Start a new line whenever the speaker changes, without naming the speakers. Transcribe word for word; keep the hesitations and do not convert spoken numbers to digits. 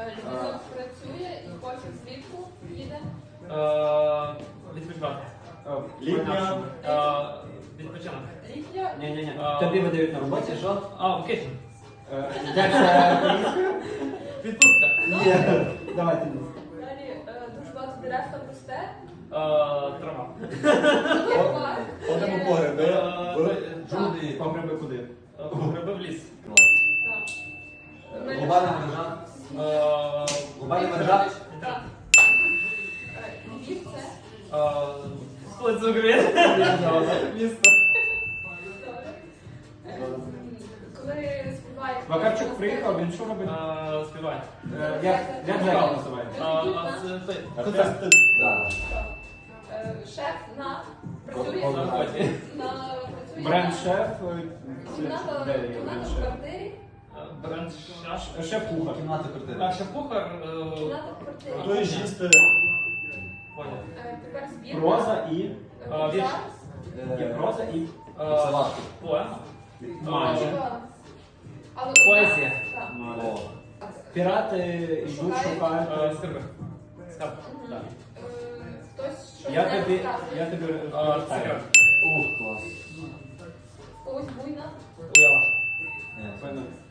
Людина працює і потім влітку їде.
Відпочивати.
Літня.
Відпочинок.
Літня.
Ні-ні-ні.
А,
Тобі видають на роботі, що?
А, вакейшн.
Е, Як це українською?
Відпустка.
Ні. Давай ти.
Далі е, дуже багато дерев там росте.
Трава.
Парк.
Ходимо
Є-
по гриби.
Е,
В
Джуди.
По гриби куди?
Гриби в ліс.
Так.
Глобальна мережа. Глобальна мережа.
Так. Е, Львів це.
Сплит з України. Місто.
Добре. Е, Коли співає.
Вакарчук приїхав, він що робить?
Співає.
Е, Як як заклад називається?
Концерт.
Да.
Е, Шеф на працює
Код-
на
код-
працює
Бренд-шеф. е,
Кімната
Де є
кімната в
бренд-шеф?
квартирі.
Бренд шаш.
Шеф-кухар.
Кімната квартири.
А шеф-кухар.
Кімната в квартирі.
Хто є їсти?
Понял.
Е, Тепер збірка.
Проза і...
Е,
А, вірш.
зараз.
Є проза і...
Це важко.
Поема.
Майже.
Але
Поезія.
Так.
О.
Пірати йдуть, шукають.
Е, Скарби. Скарб.
Мгм.
Так.
Е, Хтось щось
Я
не
тобі...
розказує.
Я тобі...
А, Секрет.
Ух, клас.
Когось буйна.
Уява.
Ні.
Певно,